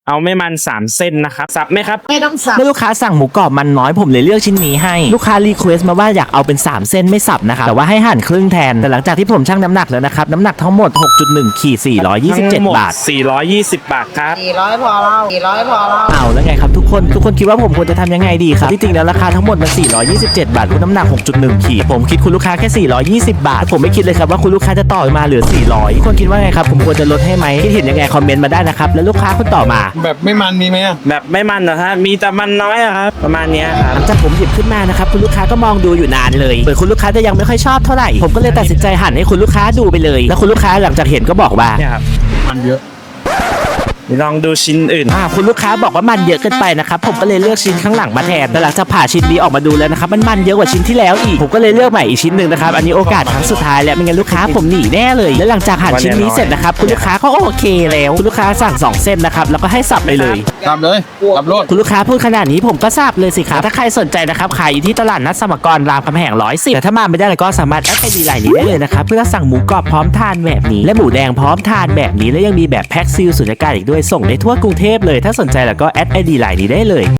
เอาไม่มัน3เส้นนะครับสับไหมครับไม่ต้องสับเมื่อลูกค้าสั่งหมูกรอบมันน้อยผมเลยเลือกชิ้นนี้ให้ลูกค้ารีเควสต์มาว่าอยากเอาเป็น3เส้นไม่สับนะครับแต่ว่าให้หั่นครึ่งแทนแต่หลังจากที่ผมชั่งน้ำหนักแล้วนะครับน้ำหนักทั้งหมด 6.1 ขีด 427 บาท 420 บาทครับ 400พอเรา400พอเราเอาแล้วไงครับทุกคนคิดว่าผมควรจะทำยังไงดีครับที่จริงแล้วราคาทั้งหมดมัน427 บาทคุณน้ำหนัก 6.1 ขีดผมคิดคุณลูกค้าแค่420 บาทผมไม่คิดเลยครับว่าคุณลูกค้าจะต่อมาเหลือ400ทุกคนคิดว่าไงครับผมควรจะลดให้ไหมคิดเห็นยังไงคอมเมนต์มาได้นะครับแล้วลูกค้าคนต่อมาแบบไม่มันมีไหมอะแบบไม่มันนะฮะมีแต่มันน้อยอะครับประมาณเนี้ยครับหลังจากผมหยิบขึ้นมานะครับคุณลูกค้าก็มองดูอยู่นานเลยเหมือนคุณลูกค้าจะยังไม่ค่อยชอบเท่าไหร่ผมก็เลยตัดสินใจหั่นให้คุณลูกค้าดูไปเลยแล้วคุณลูกค้าหลังจากเห็นก็บอกว่าเนี่ยครับมันเยอะลองดูชิ้นอื่นคุณลูกค้าบอกว่ามันเยอะเกินไปนะครับผมก็เลยเลือกชิ้นข้างหลังมาแทนแต่หลังจากผ่าชิ้นนี้ออกมาดูแล้วนะครับมันเยอะกว่าชิ้นที่แล้วอีกผมก็เลยเลือกใหม่อีกชิ้นหนึ่งนะครับอันนี้โอกาสครั้งสุดท้ายแล้วไม่งั้นลูกค้าผมหนีแน่เลยและหลังจากหั่นชิ้นนี้เสร็จนะครับคุณลูกค้าก็โอเคแล้วคุณลูกค้าสั่ง2เส้นนะครับแล้วก็ให้สับไปเลยตามเลยรับรถคุณลูกค้าพูดขนาดนี้ผมก็ทราบเลยสิครับถ้าใครสนใจนะครับขายอยู่ที่ตลาดนัดสมกรรามคำแหง110แต่ถ้ามาไม่ได้ก็สามารถแอดไอดีไลน์นี้ได้เลยนะครับเพื่อสั่งหมูกรอบพร้อมทานแบบนี้และหมูแดงพร้อมทานแบบนี้และยังมีแบบแพ็คซีลสุญญากาศอีกด้วยส่งได้ทั่วกรุงเทพเลยถ้าสนใจแล้วก็แอดไอดีไลน์นี้ได้เลย